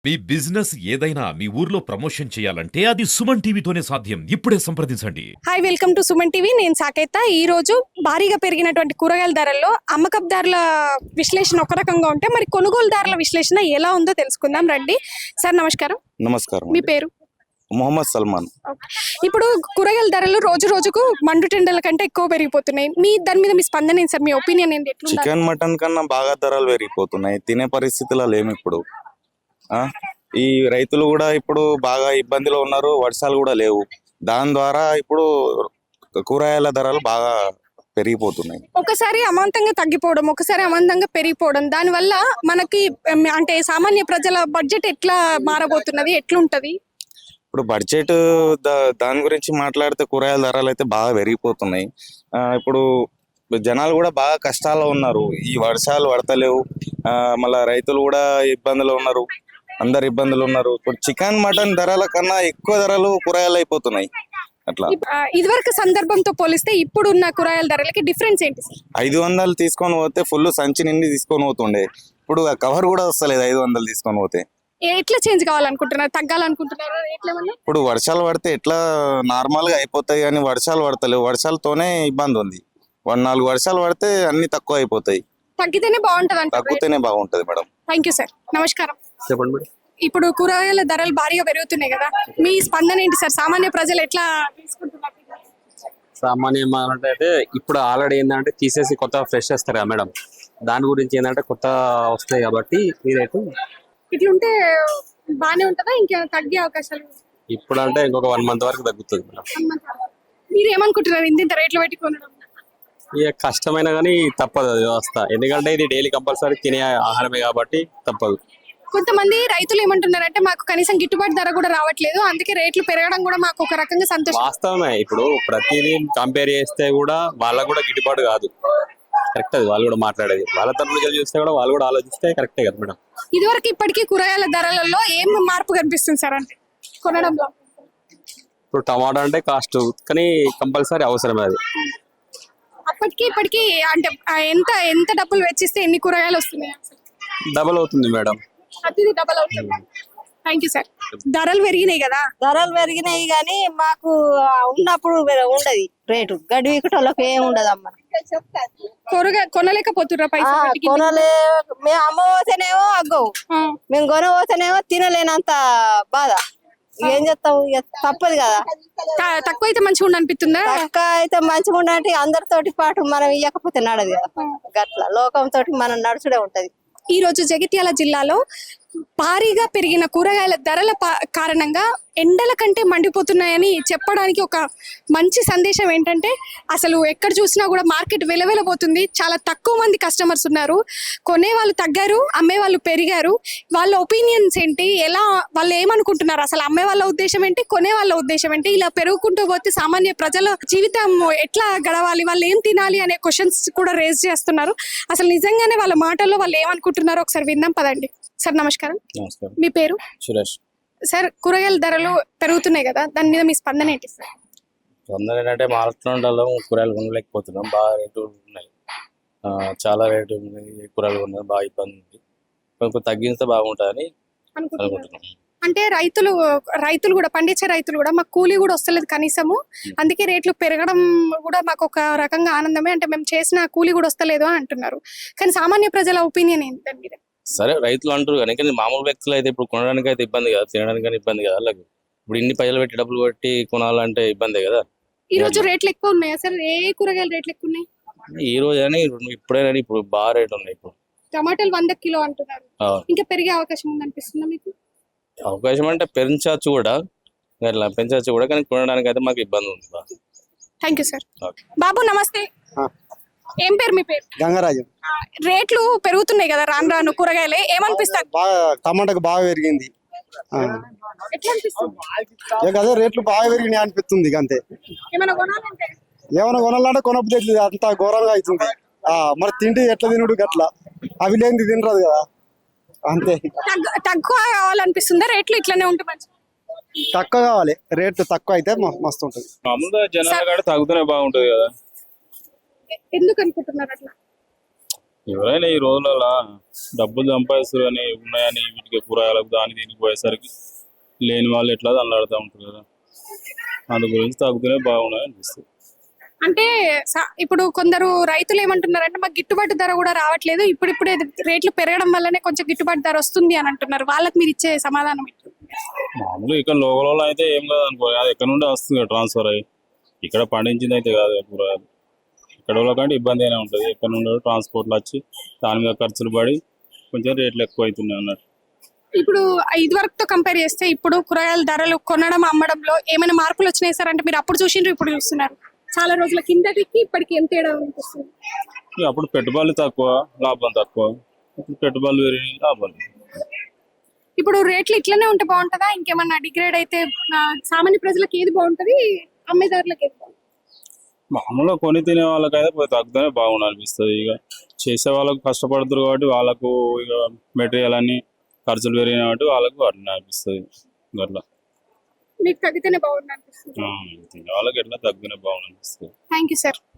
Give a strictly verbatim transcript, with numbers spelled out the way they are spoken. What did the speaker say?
మీ business ఏదైనా మీ ఊర్లో promotion చేయాలంటే అది సుమన్ టీవీతోనే సాధ్యం. ఇప్పుడే సంప్రదించండి. Hi, welcome to Suman TV. నేను సాకేత. ఈ రోజు భారీగా పెరిగినటువంటి కూరగాయల ధరల్లో అమ్మకదారుల విశ్లేషణ ఒక రకంగా ఉంటే మరి కొనుగోలుదారుల విశ్లేషణ ఎలా ఉందో తెలుసుకుందాం రండి. సార్ నమస్కారం. నమస్కారం. మీ పేరు? మొహమ్మద్ సల్మాన్. ఇప్పుడు కూరగాయల ధరలు రోజు రోజుకు మండు టెండల కంటే ఎక్కువ పెరిగిపోతున్నాయి. మీ దాని మీద మీ స్పందన ఏంటి సార్? మీ ఒపీనియన్ ఏంటి? చికెన్ మటన్ కన్నా బాగా ధరలు పెరిగిపోతున్నాయి. తినే పరిస్థితిలో లేము ఇప్పుడు. ఆ ఈ రైతులు కూడా ఇప్పుడు బాగా ఇబ్బందిలో ఉన్నారు. వర్షాలు కూడా లేవు. దాని ద్వారా ఇప్పుడు కూరగాయల ధరలు బాగా పెరిగిపోతున్నాయి. ఒకసారి అమాంతంగా తగ్గిపోవడం, ఒకసారి అమాంతంగా పెరిగిపోవడం, దానివల్ల మనకి అంటే సామాన్య ప్రజల బడ్జెట్ ఎట్లా మారబోతున్నది, ఎట్లుంటది? ఇప్పుడు బడ్జెట్ దాని గురించి మాట్లాడితే కూరగాయల ధరలు అయితే బాగా పెరిగిపోతున్నాయి. ఆ ఇప్పుడు జనాలు కూడా బాగా కష్టాల్లో ఉన్నారు. ఈ వర్షాలు పడతలేవు. ఆ మళ్ళా రైతులు కూడా ఇబ్బందులు ఉన్నారు. అందరు ఇబ్బందులు ఉన్నారు. ఇప్పుడు చికెన్ మటన్ ధరల కన్నా ఎక్కువ ధరలు కూరగాయలు అయిపోతున్నాయి. అట్లా ఇదివరకు సందర్భంతో పోలిస్తే ఇప్పుడున్న కూరగాయల ధరలకి డిఫరెన్స్ ఏంటి? ఐదు వందలు తీసుకొని పోతే ఫుల్ సంచి నిండి తీసుకొని పోతుండే. ఇప్పుడు కవర్ కూడా వస్తలేదు ఐదు వందలు తీసుకొని పోతే. ఎట్లా చేంజ్ కావాలనుకుంటున్నారు? తగ్గాలనుకుంటున్నారు? ఇప్పుడు వర్షాలు పడితే ఎట్లా నార్మల్ గా అయిపోతాయి, కానీ వర్షాలు పడతలేవు. వర్షాలతోనే ఇబ్బంది ఉంది. వన్ నాలుగు వర్షాలు పడితే అన్ని తక్కువ అయిపోతాయి. తగ్గితేనే బాగుంటది. తగ్గితేనే బాగుంటది మేడం. Thank you sir. నమస్కారం. చెప్పండి మేడం. ఇప్పుడు కూరగాయల ధరలు భారీగా పెరుగుతున్నాయి కదా, మీ స్పందన ఏంటి సార్? సామాన్య ప్రజలు ఎట్లా తీసుకుంటున్నారు? సామాన్యం అంటే ఇప్పుడు ఆల్రెడీ ఏంటంటే తీసేసి కొత్త ఫ్రెష్ వస్తారు కదా మేడం, దాని గురించి ఏంటంటే కొత్త వస్తాయి కాబట్టి మీరైతే ఇట్లుంటే బానే ఉంటుందా? ఇంకా తగ్గే అవకాశాలు? ఇప్పుడు అంటే ఇంకొక వన్ మంత్ వరకు తగ్గుతుంది మేడం. మీరు ఏమనుకుంటున్నారు ఇంత రేట్లు పెట్టి కొనడం? ఇక కష్టమైన కానీ తప్పదు అది వ్యవస్థ, ఎందుకంటే ఇది డైలీ కంపల్సరీ తినే ఆహారమే కాబట్టి తప్పదు. కొంతమంది రైతులు ఏమంటున్నారంటే మాకు కనీసం గిట్టుబాటు ధర కూడా రావట్లేదు, అందుకే రేట్లు పెరగడం కూడా మాకు ఒక రకంగా సంతోషం. వాస్తవమే. ఇప్పుడు ప్రతిదీ కంపేర్ చేస్తే కూడా వాళ్ళకు కూడా గిట్టుబాటు కాదు. కరెక్ట్, అది వాళ్ళు కూడా మాట్లాడేది. వాళ్ళ తరఫున చూస్తే కూడా వాళ్ళు కూడా ఆలోచిస్తే కరెక్టే కదా మేడం. ఇదివరకు ఇప్పటికీ కూరగాయల ధరలలో ఏం మార్పు కనిపిస్తుంది సార్ అంటే కొనడంలో? ఇప్పుడు టమాటా అంటే కాస్ట్ కానీ కంపల్సరీ అవసరమే అది. అప్పటికి ఇప్పటికి అంటే ఎంత ఎంత డబ్బులు వెచ్చిస్తే ఎన్ని కూరగాయలు వస్తున్నాయి? డబల్ అవుతుంది మేడం. ప్రతిదీ డబల్ అవుతుంది. Thank you sir. ధరలు పెరిగినాయి కదా? ధరలు పెరిగినాయి కానీ మాకు ఉన్నప్పుడు ఉండదు రేటు. గడ్డి వీకటోళ్ళకి ఏమి ఉండదు అమ్మ. కూరగాయ కొనలేకపోతుర్రా? పైసలు కొనలే. మేము అమ్మబోతేనేమో అగ్గవు, మేము కొనబోతేనేమో తినలేనంత బాధ. ఏం చేస్తావు, తప్పదు కదా. తక్కువ అయితే మంచిగా ఉండి అనిపిస్తుందా? తక్కువ అయితే మంచిగా ఉండంటే అందరితోటి పాటు మనం ఇవ్వకపోతే నడదు కదా. గట్ల లోకంతో మనం నడుచుడే ఉంటది. ఈ రోజు జగిత్యాల జిల్లాలో భారీగా పెరిగిన కూరగాయల ధరల కారణంగా ఎండల కంటే మండిపోతున్నాయని చెప్పడానికి ఒక మంచి సందేశం ఏంటంటే అసలు ఎక్కడ చూసినా కూడా మార్కెట్ వెలవెలబోతుంది. చాలా తక్కువ మంది కస్టమర్స్ ఉన్నారు. కొనే వాళ్ళు తగ్గారు, అమ్మే వాళ్ళు పెరిగారు. వాళ్ళ ఒపీనియన్స్ ఏంటి, ఎలా వాళ్ళు ఏమనుకుంటున్నారు, అసలు అమ్మే వాళ్ళ ఉద్దేశం ఏంటి, కొనే వాళ్ళ ఉద్దేశం ఏంటి, ఇలా పెరుగుకుంటూ పోతే సామాన్య ప్రజల జీవితం ఎట్లా గడవాలి, వాళ్ళు ఏం తినాలి అనే క్వశ్చన్స్ కూడా రేజ్ చేస్తున్నారు. అసలు నిజంగానే వాళ్ళ మాటల్లో వాళ్ళు ఏమనుకుంటున్నారో ఒకసారి విందాం పదండి. సార్ నమస్కారం. నమస్కారం. మీ పేరు? సురేష్. సార్, కూరగాయల ధరలు పెరుగుతున్నాయి కదా, దాని మీద మీ స్పందన ఏంటి సార్? స్పందన ఏంటంటే మార్కెట్లో కూరగాయలు కొనలేకపోతున్నాం. బాగా రేటు ఉన్నాయి, చాలా రేటు ఉన్నాయి. కూరగాయలు కొనడం బాగా ఇబ్బంది ఉంది. కొంచెం తగ్గిస్తే బాగుంటుందని అనుకుంటున్నాం. అంటే రైతులు రైతులు కూడా పండించే రైతులు కూడా మాకు కూలీ కూడా వస్తలేదు కనీసము, అందుకే రేట్లు పెరగడం కూడా మాకు ఒక రకంగా ఆనందమే. అంటే మేము చేసిన కూలీ కూడా వస్తలేదు అని అంటున్నారు. కానీ సామాన్య ప్రజల ఒపీనియన్ ఏంటి దాని మీద? సరే, రైతులు అంటారు కానీ మామూలు వ్యక్తులు అయితే ఇప్పుడు కొనడానికి అయితే ఇబ్బంది కదా, తినడానికి కానీ ఇబ్బంది కదా. అలాగే ఇప్పుడు ఇన్ని పైసలు పెట్టి డబ్బులు పెట్టి కొనాలంటే ఇబ్బంది కదా. ఈ రోజు రేట్లు ఎక్కువ ఉన్నాయా సార్? ఏ కూరగాయల రేట్లు ఎక్కువ ఉన్నాయి ఈ రోజు అని ఇప్పుడే ఇప్పుడు బాగా రేట్లు ఉన్నాయి. ఇప్పుడు టమాటాలు వంద కిలో అంటున్నారు, ఇంకా పెరిగే అవకాశం ఉంది అనిపిస్తుందా మీకు? అవకాశం అంటే పెంచవచ్చు కూడా, అట్లా పెంచవచ్చు కూడా, కానీ కొనడానికి అయితే మాకు ఇబ్బంది ఉంది. Thank you sir. బాబు నమస్తే. ఏం పేరు మీ పేరు? గంగరాజు. రేట్లు పెరుగుతున్నాయి కదా రాను రాను, కూరగాయలే ఏమనిపిస్తుంది? బాగా టమాటాకు బాగా పెరిగింది. ఎట్లా అనిపిస్తుంది? అదే రేట్లు బాగా పెరిగినాయి అనిపిస్తుంది. అంతే. ఏమైనా కొనాలంటే ఏమైనా కొనాలంటే కొనబుద్ధి అంత ఘోరంగా అవుతుంది. ఆ మరి తిండి ఎట్లా తినుడు గట్లా, అవి లేనిది తినరాదు కదా. అంతే. తక్కువ కావాలనిపిస్తుందా? రేట్లు ఇట్లానే ఉంటే మంచి తక్కువ కావాలి, రేట్లు తక్కువ అయితే మస్తు ఉంటుంది. జనాలు తగ్గుతూనే బాగుంటది కదా. ఎందుకు అనుకుంటున్నారు అట్లా? ఎవరైనా ఈ రోజులలో డబ్బులు సంపాదిస్తారు అని ఉన్నాయని వీటికి కూరగాయలకు దాని దీనికి పోయేసరికి లేని వాళ్ళు ఎట్లా దండాడుతూ ఉంటారు కదా, అందు గురించి తగ్గుతూనే బాగున్నాయి అనిపిస్తుంది. అంటే స- ఇప్పుడు కొందరు రైతులు ఏమంటున్నారంటే మాకు గిట్టుబాటు ధర కూడా రావట్లేదు, ఇప్పుడిప్పుడే రేట్లు పెరగడం వల్లనే కొంచెం గిట్టుబాటు ధర వస్తుంది అని అంటున్నారు. వాళ్ళకి మీరు ఇచ్చే సమాధానం ఏంటి? మామూలుగా ఇక్కడ లోకల్లో అయితే ఏం కాదు అనుకో, అది ఎక్కడ నుండి వస్తుంది ట్రాన్స్ఫర్ అయ్యి, ఇక్కడ పండించింది అయితే కాదు కదా కూరగాయలు. ఇక్కడ వాళ్ళకంటే ఇబ్బంది అయినా ఉంటుంది, ఎక్కడ నుండి ట్రాన్స్పోర్ట్లు వచ్చి దాని మీద ఖర్చులు పడి కొంచెం రేట్లు ఎక్కువ అవుతున్నాయి అన్నట్టు. ఇప్పుడు ఇది వరకుతో కంపేర్ చేస్తే ఇప్పుడు కూరగాయల ధరలు కొనడం అమ్మడంలో ఏమైనా మార్పులు వచ్చినాయి సార్? అంటే మీరు అప్పుడు చూసిండ్రు ఇప్పుడు చూస్తున్నారు, చాలా రోజుల కిందటికి ఇప్పటికి ఏం తేడా అనిపిస్తుంది? ఇక అప్పుడు పెట్టుబడులు తక్కువ, లాభం తక్కువ. ఇప్పుడు పెట్టుబడులు పెరిగి లాభాలు. ఇప్పుడు రేట్లు ఇట్లనే ఉంటే బాగుంటుందా, ఇంకేమన్నా డిగ్రేడ్ అయితే ఆ, సామాన్య ప్రజలకు ఏది బాగుంటది, అమ్మేదారులకు ఏది బాగుంటుంది? మామూలుగా కొని తినే వాళ్ళకైతే పోయి తగ్గుతూనే బాగుండు అనిపిస్తుంది. ఇక చేసే వాళ్ళకు కష్టపడుతారు కాబట్టి వాళ్ళకు ఇక మెటీరియల్ అన్ని ఖర్చులు పెరిగిన కాబట్టి వాళ్ళకు అట్లా అనిపిస్తుంది. అట్లా మీకు తగ్గితేనే బాగుంటుంది అనిపిస్తుంది. ఆ, తినే వాళ్ళకి ఎట్లా తగ్గుతూనే బాగుండు అనిపిస్తుంది. Thank you sir.